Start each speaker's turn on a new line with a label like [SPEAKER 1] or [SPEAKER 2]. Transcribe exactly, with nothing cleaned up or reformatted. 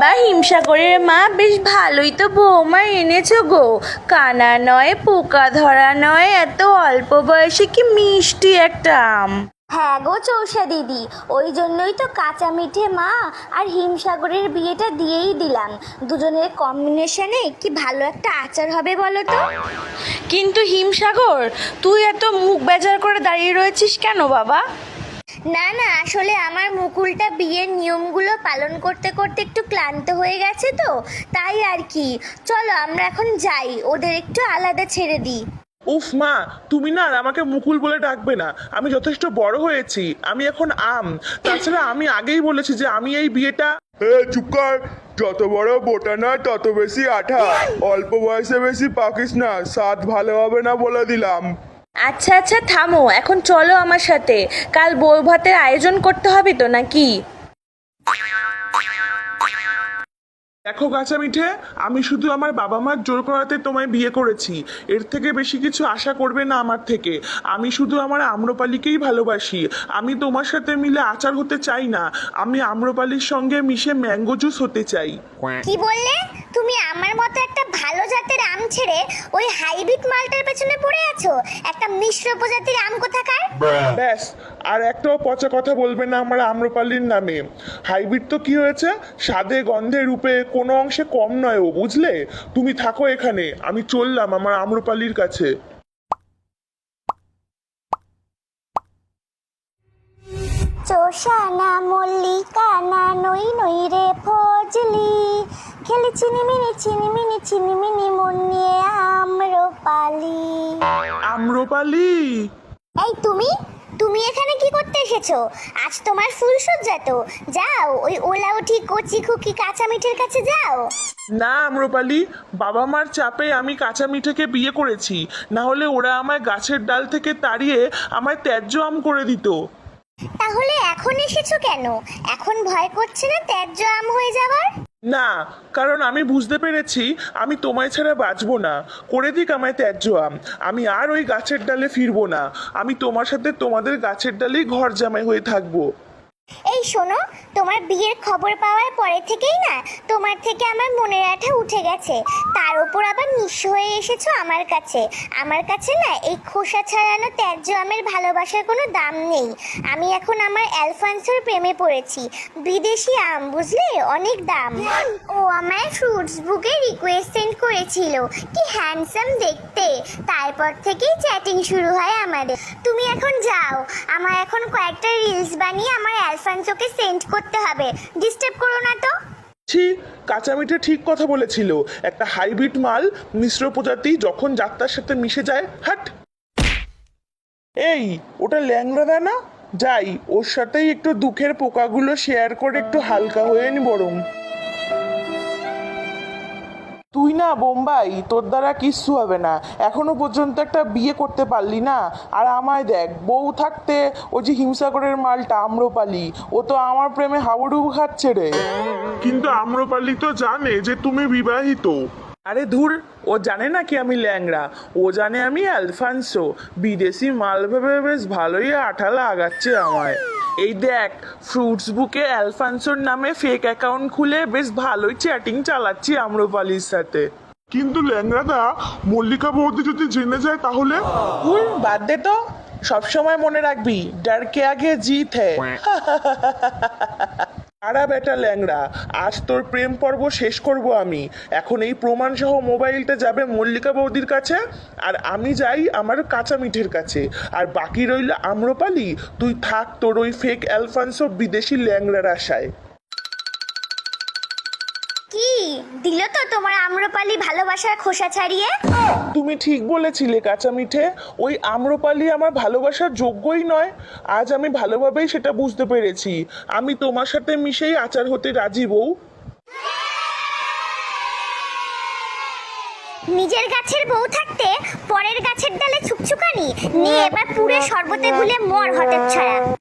[SPEAKER 1] বাবা, হিমসাগরের মা বেশ ভালোই তো বৌমা এনেছো গো। কানা নয়, পোকা ধরা নয়, এত অল্প বয়সে কি মিষ্টি একটা আম।
[SPEAKER 2] হ্যাঁ গো চৌষা দিদি, ওই জন্যই তো কাঁচা মিঠে মা আর হিমসাগরের বিয়েটা দিয়েই দিলাম। দুজনের কম্বিনেশনে কি ভালো একটা আচার হবে বলো তো।
[SPEAKER 1] কিন্তু হিমসাগর, তুই এত মুখ বেজার করে দাঁড়িয়ে রয়েছিস কেন বাবা?
[SPEAKER 2] না না, আসলে আমার মুকুলটা বিয়ের নিয়মগুলো পালন করতে করতে একটু ক্লান্ত হয়ে গেছে তো, তাই আর কি। চলো আমরা এখন যাই, ওদের একটু আলাদা ছেড়ে দিই।
[SPEAKER 3] উফ মা, তুমি না আর আমাকে মুকুল বলে ডাকবে না। আমি যথেষ্ট বড় হয়েছি, আমি এখন আম। তাছাড়া আমি আগেই বলেছি যে আমি এই বিয়েটা।
[SPEAKER 4] এ চুপ কর। যত বড় বোটা না তত বেশি আঠা। অল্প বয়সে বেশি পাকিস না, স্বাদ ভালো হবে না বলে দিলাম।
[SPEAKER 1] আচ্ছা আচ্ছা থামো, এখন চলো আমার সাথে। কাল বউ ভাতের আয়োজন করতে হবে তো নাকি?
[SPEAKER 3] দেখো কাঁচা মিঠে, আমি শুধু আমার বাবা মার জোর করাতে তোমায় বিয়ে করেছি। এর থেকে বেশি কিছু আশা করবে না আমার থেকে। আমি শুধু আমার আম্রপালিকেই ভালোবাসি। আমি তোমার সাথে মিলে আচার হতে চাই না, আমি আম্রপালির সঙ্গে মিশে ম্যাঙ্গো জুস হতে চাই।
[SPEAKER 2] কি বললে তুমি? আমার মতো একটা ভালো জাতের আম ছেড়ে ওই হাইব্রিড মালটার পেছনে পড়ে আছো? একটা মিশ্র প্রজাতির আম কোথাকার।
[SPEAKER 3] ব্যাস, আর একটাও পচা কথা বলবে না আমার আম্রপালির নামে। হাইব্রিড তো কি হয়েছে, স্বাদে গন্ধে রূপে কোনো অংশে কম নয় ও, বুঝলে? তুমি থাকো এখানে, আমি চললাম আমার আম্রপালির কাছে।
[SPEAKER 2] চোষানা মল্লিকা না নই নই রে ফজলি, খেলি চিনিমিনি চিনিমিনি চিনিমিনি মন নিয়ে আম্রপালি।
[SPEAKER 3] আম্রপালি,
[SPEAKER 2] এই তুমি তুমি এখানে কি করতে এসেছো? আজ তোমার ফুলসজ্জা তো, যাও ওই ওলা উঠি কচি খুকি কাঁচা মিঠের কাছে যাও।
[SPEAKER 3] না আম্রপালি, বাবা মার চাপে আমি কাঁচা মিঠেকে বিয়ে করেছি, না হলে ওরা আমায় গাছের ডাল থেকে তাড়িয়ে আমায় ত্যায্য আম করে দিত।
[SPEAKER 2] তাহলে এখন এসেছো কেন? এখন ভয় করছে না ত্যায্য আম হয়ে যাবার?
[SPEAKER 3] না, কারণ আমি বুঝতে পেরেছি আমি তোমায় ছাড়া বাঁচবো না। করে দিক আমায় ত্যায্য আম, আমি আর ওই গাছের ডালে ফিরবো না। আমি তোমার সাথে তোমাদের গাছের ডালেই ঘর জামাই হয়ে থাকবো।
[SPEAKER 2] এই শোনো, তোমার বিয়ের খবর পাওয়ার পরে থেকেই না তোমার থেকে আমার মনের আঠা উঠে গেছে। তার উপর আবার নিঃস্ব হয়ে এসেছো আমার কাছে। আমার কাছে না এই খোসা ছাড়ানো ত্যায্য আমের ভালোবাসার কোনো দাম নেই। আমি এখন আমার অ্যালফান্সোর প্রেমে পড়েছি। বিদেশি আম, বুঝলে, অনেক দাম। ও আমায় ফ্রুটস বুকে রিকোয়েস্ট সেন্ড করেছিল, কি হ্যান্ডসাম দেখতে। তারপর থেকেই চ্যাটিং শুরু হয় আমাদের। তুমি এখন যাও, আমার এখন কয়েকটা রিলস বানিয়ে আমার অ্যালফান্সোকে সেন্ড করতে হবে। ডিস্টার্ব করো না তো।
[SPEAKER 3] ছি, কাঁচা মিঠে ঠিক কথা বলেছিল। একটা হাইব্রিড মাল, মিশ্র প্রজাতি যখন যাত্রার সাথে মিশে যায়, হাট। এই, ওটা ল্যাংড়া দেয় না? যাই, ওর সাথেই একটু দুঃখের পোকাগুলো শেয়ার করে একটু হালকা হয়ে নি বরং। তুই না বোম্বাই, তোর দ্বারা কিচ্ছু হবে না। এখনো পর্যন্ত একটা বিয়ে করতে পারলি না। আর আমায় দেখ, বউ থাকতে ওই যে হিমসাগরের মালটা আম্রপালি, ও তো আমার প্রেমে হাবুডুবু খাচ্ছে রে। কিন্তু আম্রপালি তো জানে যে তুমি বিবাহিত। আরে ধুর, ও জানে না কি আমি ল্যাংড়া, ও জানে আমি অ্যালফান্সো। বিদেশি মাল ভেবে বেশ ভালোই আঠা লাগাচ্ছে আমায়। এই দেখ, ফ্রুটস বুকে অ্যালফান্সোর নামে ফেক অ্যাকাউন্ট খুলে বেশ ভালোই চ্যাটিং চালাচ্ছি আম্রপালির সাথে। কিন্তু ল্যাংড়াদা, মল্লিকা বৌদি যদি জেনে যায় তাহলে? ভুল, বাদ দে তো। সবসময় মনে রাখবি, ডার কে আগে জিত হ্যায়। আরা বেটা ল্যাংড়া, আজ তোর প্রেম পর্ব শেষ করব আমি। এখন এই প্রমাণ সহ মোবাইলটা যাবে মল্লিকা বৌদির কাছে, আর আমি যাই আমার কাঁচা মিঠের কাছে। আর বাকি রইল আম্রপালি, তুই থাক তোর ওই ফেক অ্যালফান্সো বিদেশি ল্যাংড়ার আশায়।
[SPEAKER 2] কি দিল তো তোমার আম্রপালি ভালোবাসার খোসা ছাড়িয়ে?
[SPEAKER 3] তুমি ঠিক বলেছিলে কাঁচা মিঠে, ওই আম্রপালি আমার ভালোবাসার যোগ্যই নয়। আজ আমি ভালোভাবেই সেটা বুঝতে পেরেছি। আমি তোমার সাথে মিশেই আচার হতে রাজি বউ।
[SPEAKER 2] নিজের গাছের বউ থাকতে পরের গাছের ডালে ছুকছুকানি নিয়ে এবার পুরে শরবতে গুলে মর হতে ছাড়া।